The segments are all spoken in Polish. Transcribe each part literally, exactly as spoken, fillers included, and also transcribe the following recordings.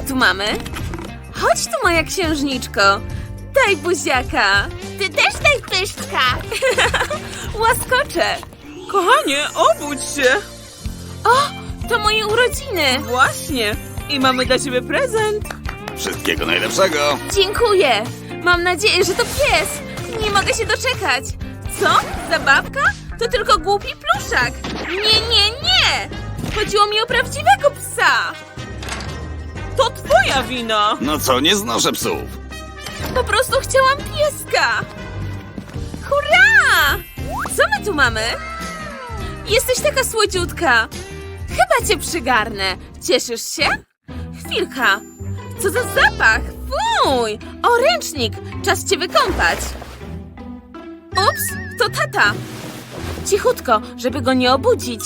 tu mamy? Chodź tu, moja księżniczko. Daj buziaka. Ty też daj pyszczka. Łaskoczę. Kochanie, obudź się. O, to moje urodziny. Właśnie. I mamy dla ciebie prezent. Wszystkiego najlepszego. Dziękuję. Mam nadzieję, że to pies. Nie mogę się doczekać. Co? Zabawka? To tylko głupi pluszak. Nie, nie, nie. Chodziło mi o prawdziwego psa. To twoja wina. No co, nie znoszę psów. Po prostu chciałam pieska. Hurra! Co my tu mamy? Jesteś taka słodziutka. Chyba cię przygarnę. Cieszysz się? Chwilka. Co za zapach? Fuj! O, ręcznik. Czas cię wykąpać. Ups, to tata. Cichutko, żeby go nie obudzić.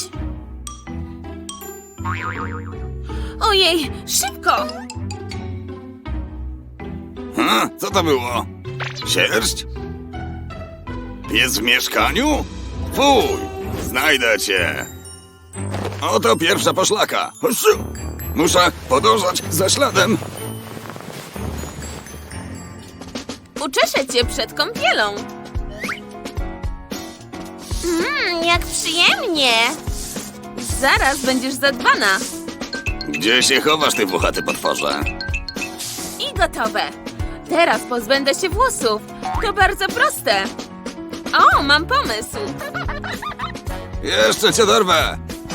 Ojej, szybko! Ha, co to było? Sierść? Pies w mieszkaniu? Fuj, znajdę cię. Oto pierwsza poszlaka. Huszu. Muszę podążać za śladem. Uczeszę cię przed kąpielą. Mmm, jak przyjemnie. Zaraz będziesz zadbana. Gdzie się chowasz, ty włochaty potworze? I gotowe. Teraz pozbędę się włosów. To bardzo proste. O, mam pomysł. Jeszcze cię dorwę.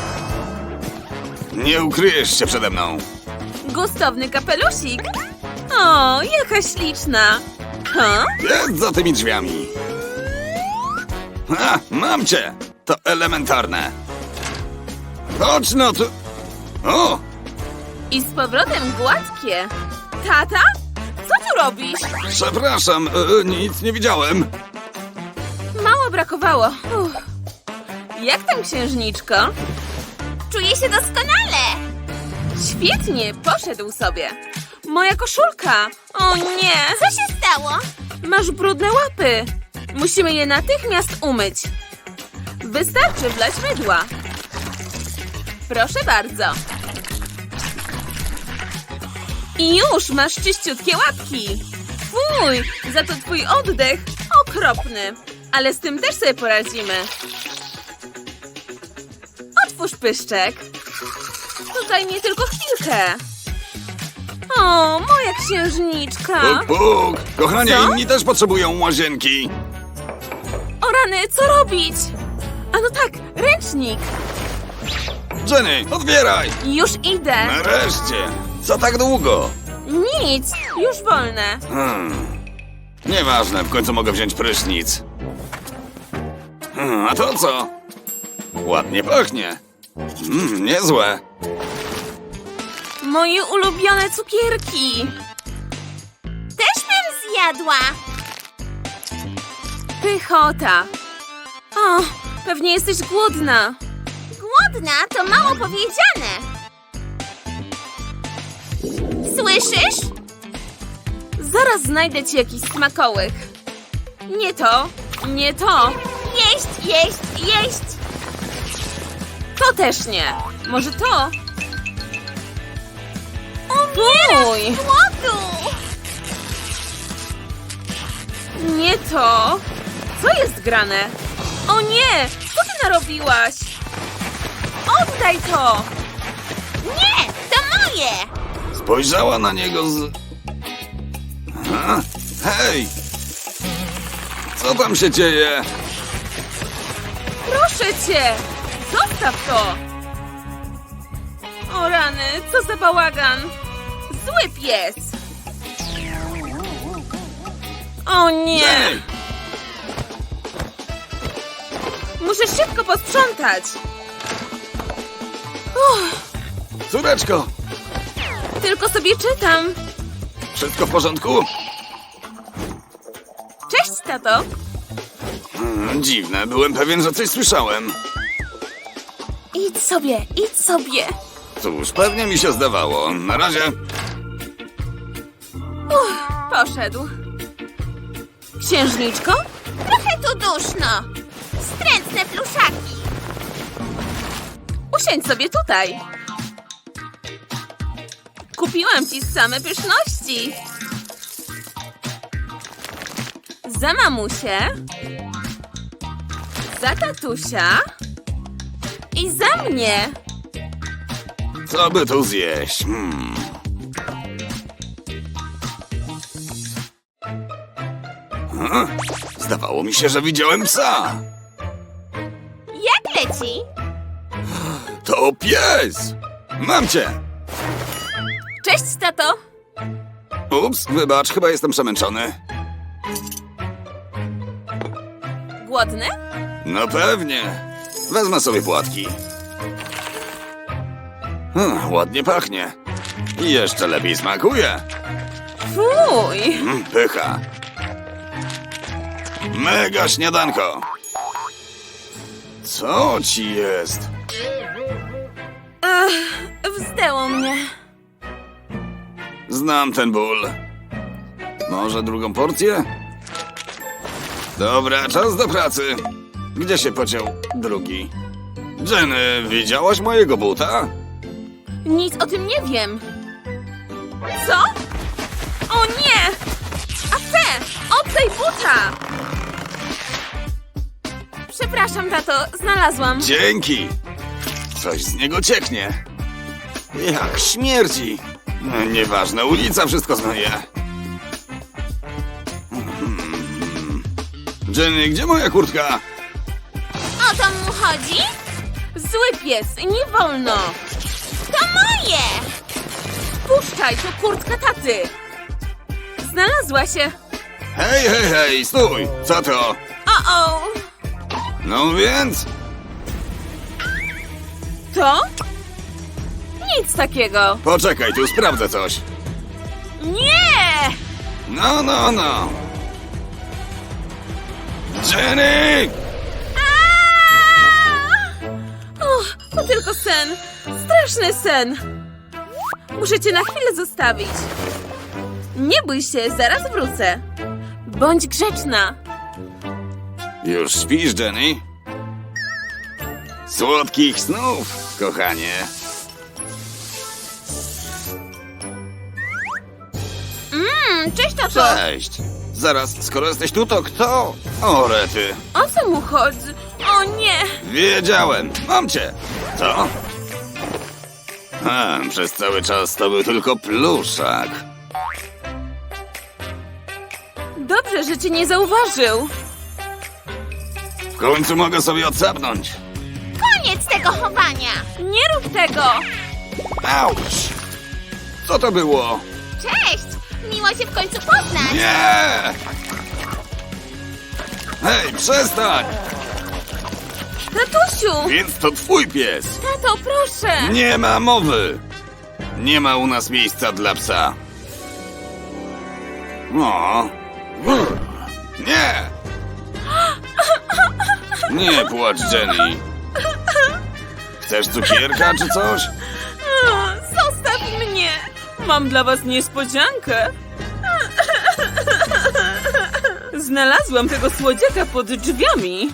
Nie ukryjesz się przede mną. Gustowny kapelusik. O, jaka śliczna. Ha? Jest za tymi drzwiami. Ha, mam cię. To elementarne. Chodź no tu. O, I z powrotem gładkie. Tata? Co tu robisz? przepraszam, e, nic nie widziałem. Mało brakowało. Uff. Jak tam, księżniczko? Czuję się doskonale. Świetnie, poszedł sobie. Moja koszulka. O nie. Co się stało? Masz brudne łapy. Musimy je natychmiast umyć. Wystarczy wlać mydła. Proszę bardzo. I już masz czyściutkie łapki. Fuj, za to twój oddech okropny. Ale z tym też sobie poradzimy. Otwórz pyszczek. Tutaj nie tylko chwilkę. O, moja księżniczka. Puk, puk. Kochanie, Co? inni też potrzebują łazienki. O rany, co robić? A no tak, ręcznik. Jenny, otwieraj. Już idę. Nareszcie. Co tak długo? Nic, już wolne. Hmm. Nieważne, w końcu mogę wziąć prysznic. Hmm, a to co? Ładnie pachnie. Mm, niezłe. Moje ulubione cukierki. Też bym zjadła. Pychota. O, pewnie jesteś głodna. Głodna to mało powiedziane. Słyszysz? Zaraz znajdę ci jakiś smakołyk. Nie to, nie to. Jeść, jeść, jeść. To też nie. Może to? Fuj, Głodu. nie to. Co jest grane? O nie, co ty narobiłaś? Oddaj to. Nie, to moje. Spojrzała na niego z... Aha. Hej! Co tam się dzieje? Proszę cię! Zostaw to! O rany, co za bałagan! Zły pies! O nie! Jenny! Muszę szybko posprzątać! Uff, Córeczko, tylko sobie czytam. wszystko w porządku? Cześć, tato! Hmm, dziwne, byłem pewien, że coś słyszałem. Idź sobie, idź sobie! Cóż, pewnie mi się zdawało. Na razie. Uff, poszedł. Księżniczko? Trochę tu duszno. Wstrętne pluszaki. Usiądź sobie tutaj. Kupiłam ci same pyszności. Za mamusię. Za tatusia. I za mnie. Co by tu zjeść? Hmm. Hm? Zdawało mi się, że widziałem psa. Jak leci? To pies! Mam cię! Cześć, tato. Ups, wybacz, chyba jestem przemęczony. Głodny? No pewnie. Wezmę sobie płatki. Hmm, ładnie pachnie. I jeszcze lepiej smakuje. Fuj. Mm, pycha. Mega śniadanko. Co ci jest? Ech, wzdęło mnie. Znam ten ból. Może drugą porcję? Dobra, czas do pracy. Gdzie się podział drugi? Jenny, widziałaś mojego buta? Nic o tym nie wiem. Co? O nie! A te! Oddaj buta! Przepraszam, tato, znalazłam. Dzięki! Coś z niego cieknie. Jak śmierdzi. No, nieważne, ulica wszystko zmyje. Hmm. Jenny, gdzie moja kurtka? O to mu chodzi? Zły pies, nie wolno! To moje! Puszczaj, to kurtka taty! Znalazła się! Hej, hej, hej, stój! Co to? O-o! No więc? To? Nic takiego! Poczekaj, tu sprawdzę coś. Nie! No, no, no. Jenny! Och, to tylko sen. Straszny sen. Muszę cię na chwilę zostawić. Nie bój się, zaraz wrócę. Bądź grzeczna. Już śpisz, Jenny? Słodkich snów, kochanie. Mmm, cześć, tato. Cześć. Zaraz, skoro jesteś tu, to kto? O, rety. O co mu chodzi? O nie! Wiedziałem. Mam cię. Co? A, przez cały czas to był tylko pluszak. Dobrze, że cię nie zauważył. W końcu mogę sobie odsapnąć. Koniec tego chowania! Nie rób tego! Auć! Co to było? Cześć! Miło się w końcu poznać! Nie! Hej, przestań! Tatusiu! Więc to twój pies. Tato, proszę! Nie ma mowy. Nie ma u nas miejsca dla psa. O. Nie! Nie płacz, Jenny. Chcesz cukierka czy coś? O, zostaw mnie! Mam dla was niespodziankę. Znalazłam tego słodziaka pod drzwiami.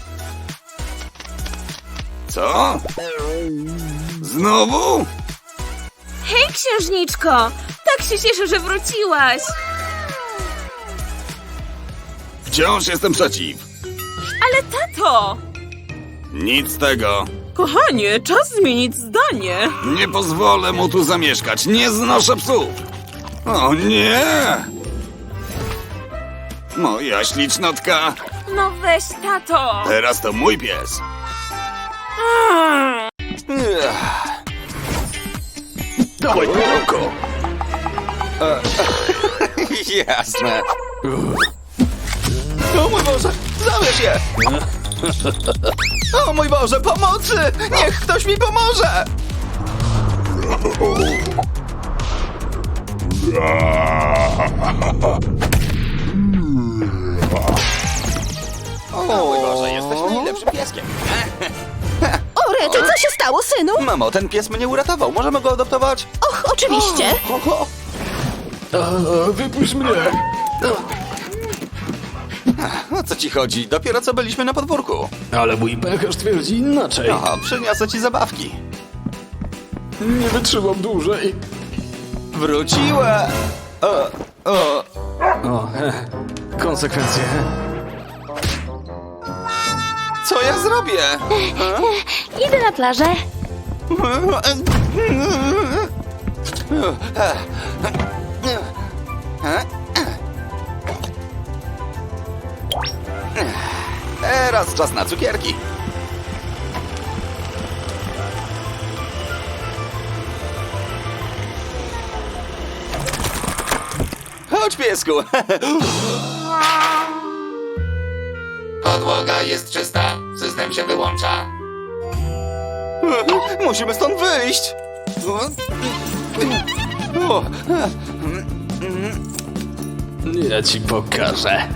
Co? Znowu? Hej, księżniczko! Tak się cieszę, że wróciłaś. Wciąż jestem przeciw. Ale tato! Nic z tego. Kochanie, czas zmienić zdanie. Nie pozwolę mu tu zamieszkać. Nie znoszę psów. O nie! Moja ślicznotka. No weź, tato! Teraz to mój pies. Mm. Dawaj, pudełko. Jasne. O mój Boże, zabierz je! O mój Boże, pomocy! Niech ktoś mi pomoże! O mój Boże, jesteś najlepszym pieskiem. O, Rety, co się stało, synu? Mamo, ten pies mnie uratował. Możemy go adoptować? Och, oczywiście. O, o. Wypuść mnie! O co ci chodzi? Dopiero co byliśmy na podwórku. Ale mój pęcherz twierdzi inaczej. O, przyniosę ci zabawki. Nie wytrzymam dłużej. Wróciła! O, o. O, he, konsekwencje. Co ja zrobię? Idę na plażę. Teraz czas na cukierki. Chodź, piesku. Podłoga jest czysta. System się wyłącza. Musimy stąd wyjść. O, Ja ci pokażę.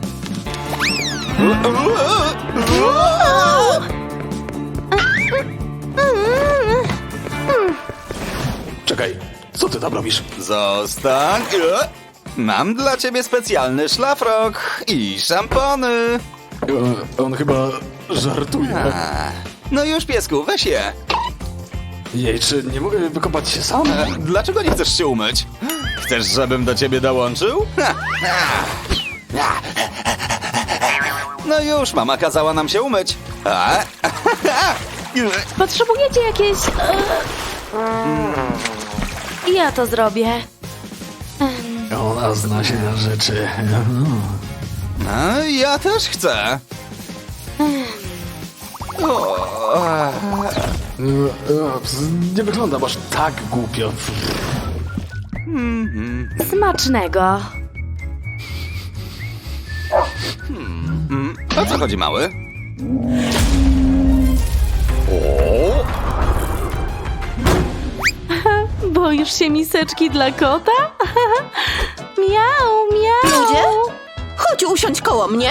Czekaj, co ty tam robisz? Zostań. Mam dla ciebie specjalny szlafrok i szampony. O, on chyba żartuje. A, no już, piesku, weź je. Jej, czy nie mogę wykopać się sam? E, Dlaczego nie chcesz się umyć? Chcesz, żebym do ciebie dołączył? Ha, ha. No już, mama kazała nam się umyć. A? Potrzebujecie jakieś... e, Ja to zrobię. Ona zna się na rzeczy. A, ja też chcę. O, E, e, ps, Nie wyglądam aż tak głupio. Smacznego. mm, o co chodzi, mały? Boisz się miseczki dla kota? Miau, miau. Ludzie? Chodź usiądź koło mnie.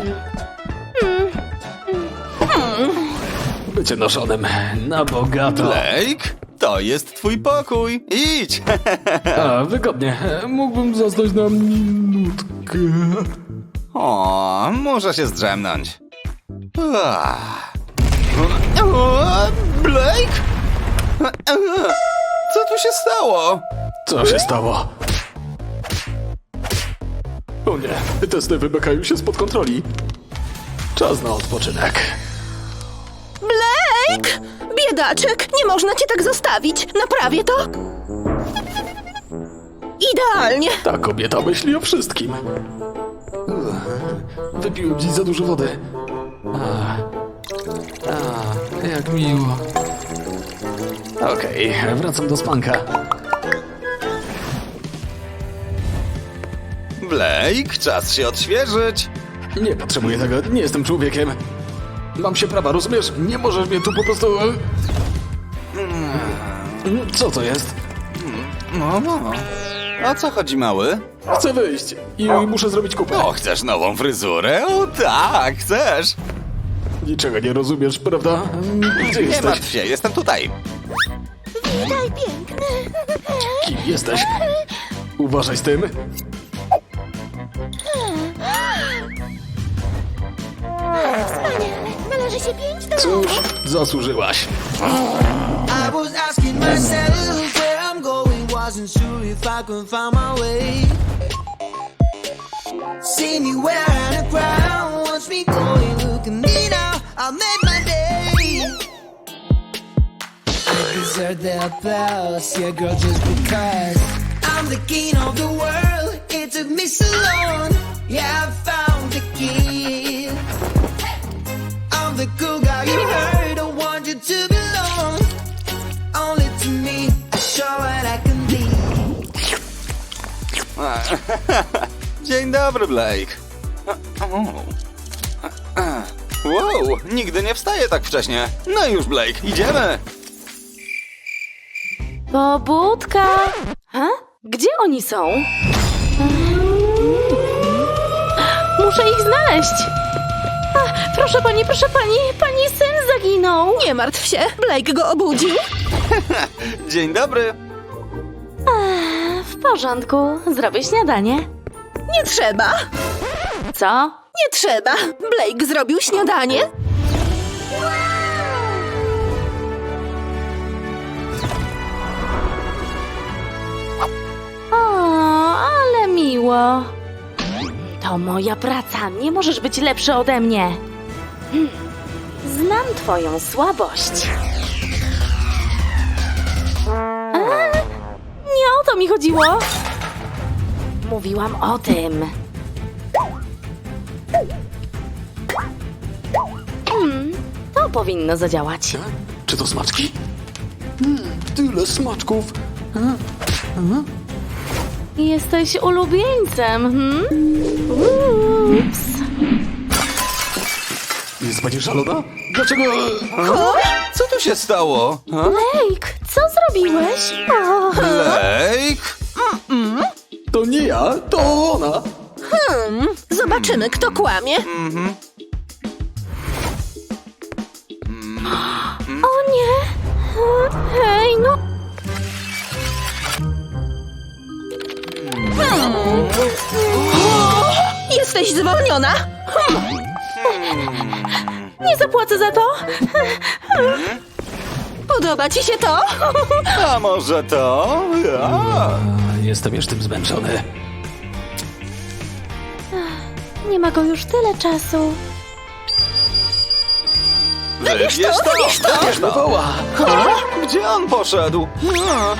Bycie noszonym na bogato. Blake, to jest twój pokój. Idź. A, wygodnie. Mógłbym zasnąć na minutkę. O, muszę się zdrzemnąć. Ah. O, Blake? Co tu się stało? Co się stało? O nie, testy wymykają się spod kontroli. Czas na odpoczynek. Blake! Biedaczek, nie można cię tak zostawić. Naprawię to. Idealnie. Ta kobieta myśli o wszystkim. Wypiłem dziś za dużo wody. A, a, jak miło. Okej, wracam do spanka. Blake, czas się odświeżyć. Nie potrzebuję tego, nie jestem człowiekiem. Mam się prawa, rozumiesz? Nie możesz mnie tu po prostu... Co to jest? No, no. O co chodzi, mały? Chcę wyjść i muszę zrobić kupę. O, chcesz nową fryzurę? O tak, chcesz. Niczego nie rozumiesz, prawda? Gdzie Nie jesteś? martw się, jestem tutaj. Witaj, piękny. Kim jesteś? Uważaj z tym. Wspaniale. Należy się pięć do... Cóż, zasłużyłaś. I was asking myself where I'm going, wasn't sure if I could find my way. See me wearing a crown, watch me going, look at me now, I made my day. I deserve the applause, yeah girl, just because I'm the king of the world, it took me so long, yeah I found the key. I'm the cool guy you heard, I want you to belong only to me. Show what I can be. Dzień dobry, Blake. Wow, nigdy nie wstaję tak wcześnie. No już, Blake, idziemy. Pobudka. Ha? Gdzie oni są? Muszę ich znaleźć. A, proszę pani, proszę pani, pani syn zaginął. Nie martw się, Blake go obudził. Dzień dobry. W porządku, zrobię śniadanie. Nie trzeba. Co? Nie trzeba. Blake zrobił śniadanie. To moja praca, nie możesz być lepszy ode mnie. Hmm. Znam twoją słabość. A, nie o to mi chodziło. Mówiłam o tym. Hmm, to powinno zadziałać. Czy to smaczki? Hmm, tyle smaczków. Jesteś ulubieńcem, hmm? Ups. Jest pani szalona? Dlaczego... Co tu się stało? A? Blake, co zrobiłeś? O, Blake? To nie ja, to ona. Zobaczymy, kto kłamie. o nie! Hej, no... Jesteś zwolniona. Nie zapłacę za to! Podoba ci się to? A może to? A. Jestem już tym zmęczony. Nie ma go już tyle czasu. Wybierz to, wybierz to. Wybierz to. Woła. A? Gdzie on poszedł? A.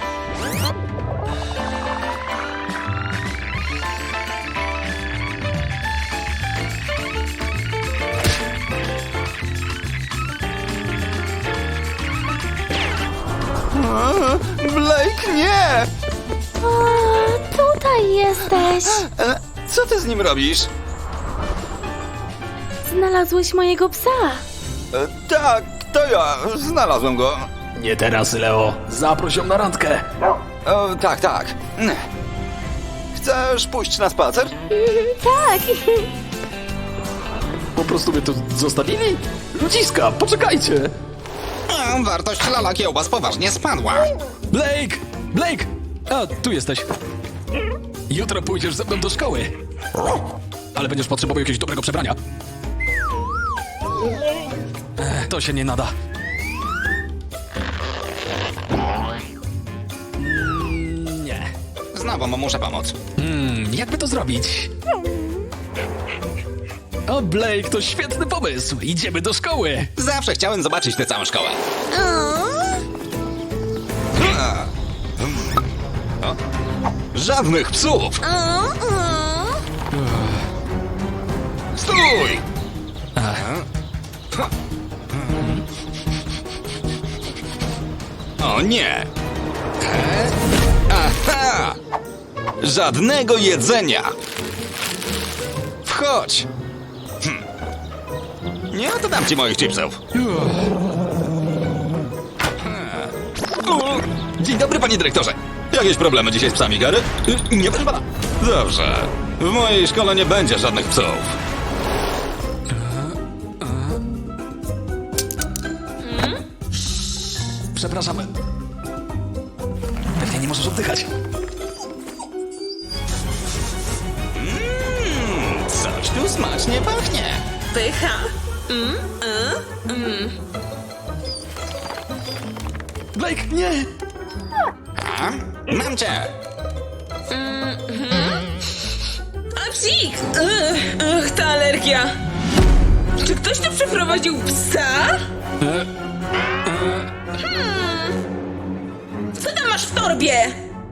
A, Blake, nie! O, tutaj jesteś. E, Co ty z nim robisz? Znalazłeś mojego psa. E, Tak, to ja. Znalazłem go. Nie teraz, Leo. Zaproś ją na randkę. O, tak, tak. Chcesz pójść na spacer? Tak. Po prostu mnie tu zostawili? Ludziska, poczekajcie. Wartość lala kiełbas poważnie spadła. Blake! Blake! A, tu jesteś. Jutro pójdziesz ze mną do szkoły. Ale będziesz potrzebował jakiegoś dobrego przebrania. Ech, to się nie nada. Mm, nie. Znowu mu muszę pomóc. Hmm, jakby to zrobić? O, Blake, to świetny pomysł. Idziemy do szkoły. Zawsze chciałem zobaczyć tę całą szkołę. O, żadnych psów! Stój! O nie! E? Aha! Żadnego jedzenia! Wchodź! Hm. Nie oddam ci moich chipsów. O, dzień dobry, panie dyrektorze. Jakieś problemy dzisiaj z psami, Gary? Y, Nie, proszę pana. Dobrze. W mojej szkole nie będzie żadnych psów. Przepraszam. Pewnie nie możesz oddychać. Coś tu smacznie pachnie. Pycha. Blake, nie! A? Mam cię. A psik! Ugh, ugh, ta alergia. Czy ktoś tu przeprowadził psa? Hmm. Co tam masz w torbie?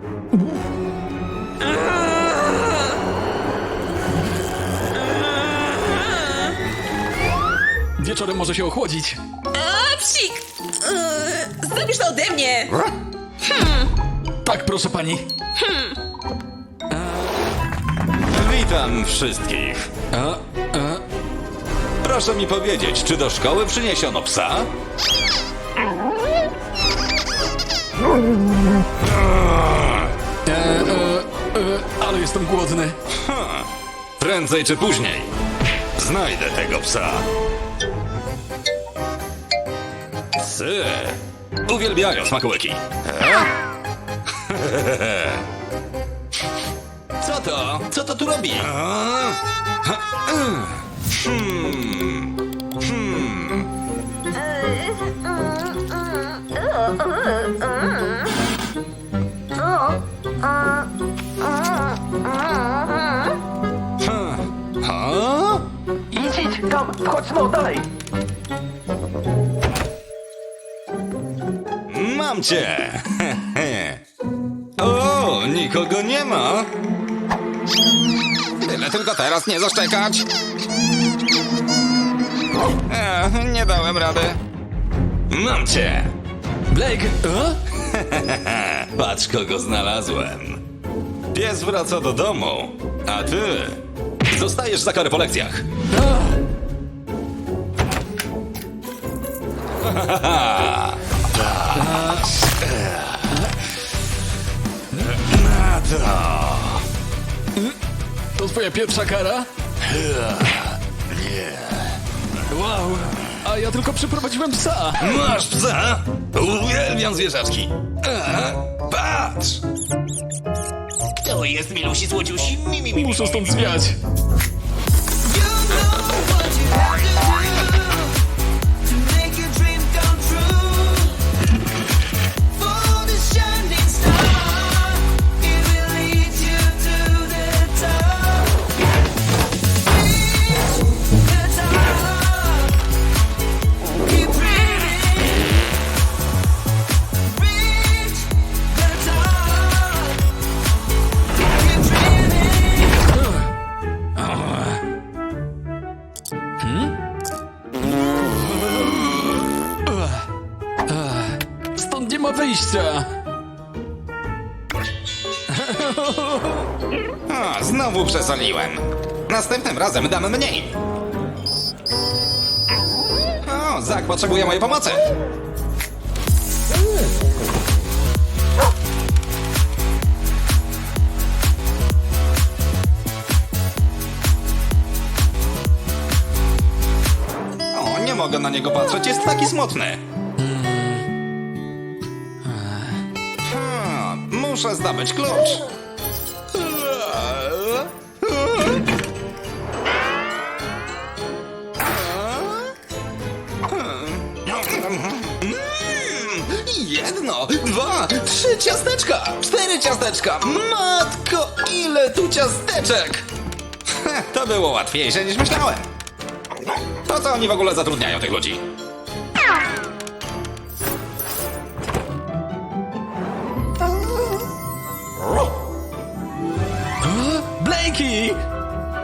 Wieczorem może się ochłodzić. A psik! Ugh, zrobisz to ode mnie! Tak, proszę pani. Witam wszystkich. A, a, Proszę mi powiedzieć, czy do szkoły przyniesiono psa? e, e, e, ale jestem głodny. Prędzej czy później znajdę tego psa. Psy uwielbiają smakołyki. E? Co to? Co to tu robi? A? Hmm. Hmm. Hmm. Chodź, no, dalej! Mam cię! O, nikogo nie ma! Tyle tylko teraz nie zaszczekać. E, nie dałem rady. Mam cię! Blake, a? Patrz, kogo znalazłem. Pies wraca do domu, a ty zostajesz za karę po lekcjach. Na to. To twoja pierwsza kara? Nie. Wow, a ja tylko przyprowadziłem psa. Masz psa? Uwielbiam zwierzaczki. A, patrz! To jest milusi słodziusi. Mi, mi, mi, mi. Muszę stąd zwiać. You know what you have to do to make your dream come true. For the shining star, it will lead you to the top. Reach the top. Keep dreaming. Reach the top. Keep dreaming. Stąd nie ma wyjścia. A, znowu przesoliłem. Następnym razem dam mniej. O, Zak potrzebuje mojej pomocy. O, nie mogę na niego patrzeć, jest taki smutny. Hmm, muszę zdobyć klucz. Jedno, dwa, trzy ciasteczka, cztery ciasteczka. Matko, ile tu ciasteczek! Heh, to było łatwiejsze niż myślałem. Po co oni w ogóle zatrudniają tych ludzi? Blakey!